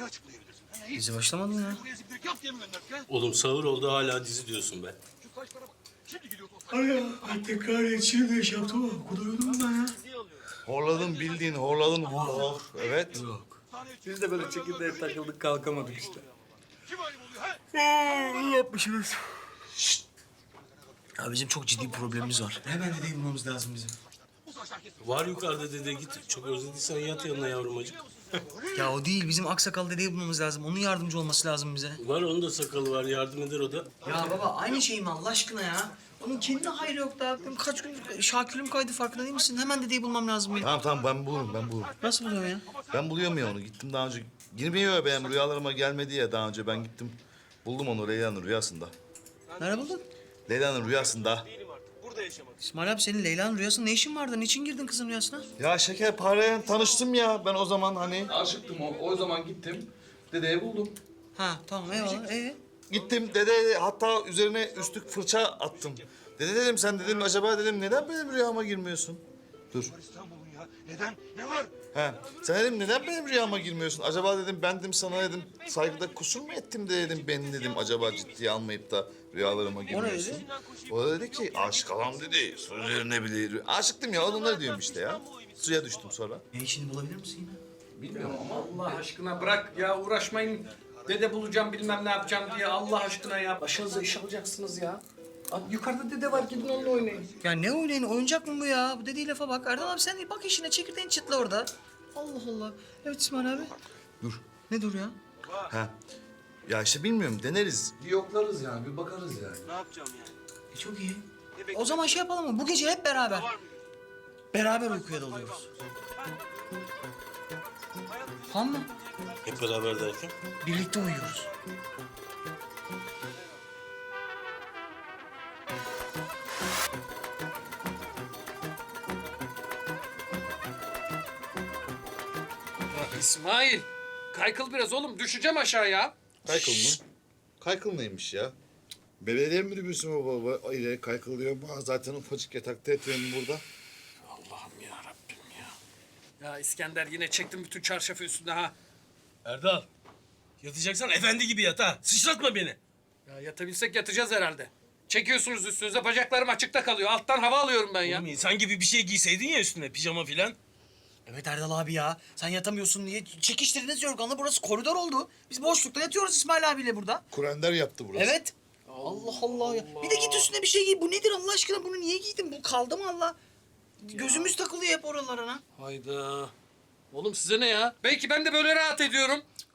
açıklayabilirsin? Dizi başlamadı mı ya? Buraya zibirlik yap diye mi gönderdik ha? Oğlum sahur oldu hala dizi diyorsun be. Şu saçlara bak. Şimdi gidiyor o saç. Ay ya, tekrar yetişir diye şey yaptım ama o kadar uyudum ben ya. Horladın bildiğin horladın hor. Evet. Yok. Sahneye çık. Biz de böyle çekirdeğe takıldık kalkamadık işte. Kim ayıp oluyor ha? Ne yapmışsınız? Ya bizim çok ciddi bir problemimiz var. Hemen dedeyi bulmamız lazım bizim. Bu saçlar kesin. Var yukarıda dede git. Çok özlediysen yat yanına yavrumacık. Ya o değil, bizim aksakal dedeyi bulmamız lazım. Onun yardımcı olması lazım bize. Var onun da sakalı var yardım eder o da. Ya baba aynı şey mi Allah aşkına ya? Onun kendi hayrı yok da. Kaç gün şakülüm kaydı farkında değil misin? Hemen dedeyi bulmam lazım benim. Tamam ben bulurum. Nasıl buluyorsun ya? Ben buluyorum ya onu. Gittim daha önce. Girmiyor benim rüyalarıma gelmedi ya daha önce. Ben gittim. Buldum onu Leyla'nın rüyasında. Nerede buldun? Leyla'nın rüyasında. İsmail abi senin Leyla'nın rüyasında ne işin vardı? Niçin girdin kızın rüyasına? Ya şekerpareyle tanıştım ya ben o zaman hani. Aşıktım o zaman gittim. Dedeyi buldum. Ha tamam eyvallah. Gittim dede hatta üzerine üstlük fırça attım. Dede dedim sen dedim acaba dedim neden benim rüyama girmiyorsun? Dur. İstanbul'un ya. Neden? Ne var? He. Sen dedim neden benim rüyama girmiyorsun? Acaba dedim ben dedim sana dedim saygıda kusur mu ettim de dedim beni dedim acaba ciddiye almayıp da rüyalarıma girmiyorsun. O da dedi ki aşık adam dedi. Sözlerine bile. Aşıktım ya onları diyorum işte ya. Suya düştüm sonra. Ne işini bulabilir misin yine? Bilmiyorum ama Allah aşkına bırak ya uğraşmayın. Dede bulacağım bilmem ne yapacağım diye Allah aşkına ya. Başınıza iş alacaksınız ya. Abi, yukarıda dede var gidin onunla oynayın. Ya ne oynayın? Oyuncak mı bu ya? Bu dediği lafa bak. Erdal abi sen bak işine çekirdeğini çıtla orada. Allah Allah. Evet İsmail abi. Dur. Ne dur ya? He. Ya işte bilmiyorum deneriz. Bir yoklarız yani bir bakarız yani. Ne yapacağım yani? Çok iyi. O zaman şey yapalım mı? Bu gece hep beraber. Beraber uykuya dalıyoruz. Tamam mı? Hep beraber derken. Birlikte uyuyoruz. İsmail kaykıl biraz oğlum düşeceğim aşağıya. Kaykıl mı? Kaykıl neymiş ya? Belediye minibüsü mü baba? Öyle kaykıl diyor. Zaten ufacık yatakta yatıyorum burada. Allah'ım ya Rabbim ya. Ya İskender yine çektim bütün çarşafı üstüne ha. Erdal. Yatacaksan efendi gibi yat ha. Sıçratma beni. Ya yatabilsek yatacağız herhalde. Çekiyorsunuz üstünüze bacaklarım açıkta kalıyor. Alttan hava alıyorum ben ya. Oğlum insan gibi bir şey giyseydin ya üstüne pijama filan. Evet Erdal abi ya. Sen yatamıyorsun diye çekiştirdiniz yorganla. Burası koridor oldu. Biz boşlukta yatıyoruz İsmail abiyle burada. Kurender yaptı burası. Evet. Allah Allah ya. Bir de git üstüne bir şey giy. Bu nedir Allah aşkına? Bunu niye giydin? Bu kaldı mı Allah? Gözümüz takılıyor hep oralarına. Hayda. Oğlum size ne ya? Belki ben de böyle rahat ediyorum.